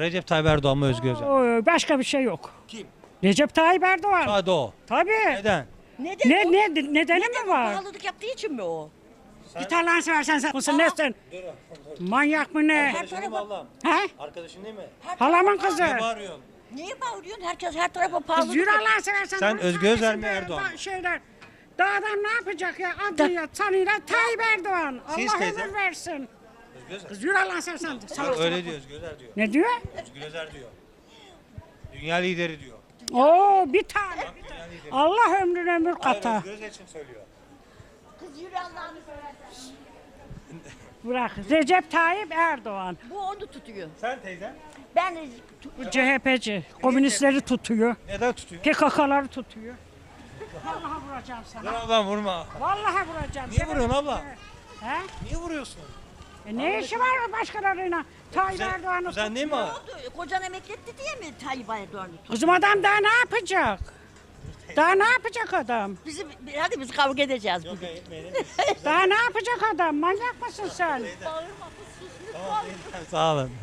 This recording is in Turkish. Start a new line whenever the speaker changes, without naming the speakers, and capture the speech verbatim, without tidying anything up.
Recep Tayyip Erdoğan mı Özgür Özel?
Oo, başka bir şey yok.
Kim?
Recep Tayyip Erdoğan.
Sadece o.
Tabii.
Neden?
Neden
Ne,
o?
ne, nedeni
Neden
mi
o?
var?
Pahalılık yaptığı için mi o?
Git Allah'ını seversen sen mısın nesin? Manyak mı ne?
Her
Arkadaşın değil mi
tarafa,
ablam?
He?
Arkadaşın değil mi?
her
Halamın
tarafa-
kızı.
Ne bağırıyorsun?
Niye bağırıyorsun? Herkes her tarafa
Kız
pahalılık
yürü
yapıyor.
Allah'ını seversen.
Sen
Bunu
Özgür Özel
söylesin
mi
be,
Erdoğan
da-
mı?
Şeyler. Dağdan ne yapacak ya? Adıyla, sanıyla Tayyip Erdoğan.
Siz
Allah
teyze?
ömür versin.
Özgür Özel.
Kız yürü Allah'ını seversen.
Bak
Salak
öyle
salak.
diyor Özgür Özel diyor.
Ne diyor?
Özgür Özel diyor. Dünya lideri diyor.
Oo bir tane.
Dünya lideri.
Allah ömrün ömür
Hayır
kata.
Özgür Özel için söylüyor.
Kız yürü Allah'ını seversen.
Bırak. Recep Tayyip Erdoğan.
Bu onu tutuyor.
Sen teyze?
Ben
Bu C H P'ci. Komünistleri tutuyor.
Neden tutuyor?
P K K'ları tutuyor. Vallahi vuracağım
Dur
sana.
ablam vurma.
Vallahi vuracağım.
Niye vuruyorsun abla?
He?
Niye vuruyorsun?
E ne işi var başkalarıyla? Tayyip
Kuzen,
Erdoğan'ı
kuzen değil mi
ne
o?
oldu? Kocan emekli etti diye mi Tayyip Erdoğan'ı tutuyor?
Kızım adam daha ne yapacak? Daha ne yapacak adam?
Bizi, hadi biz kavga edeceğiz bugün.
Daha ne yapacak adam? Manyak mısın sen?
Bağırma kız sus lütfen.
Sağ olun.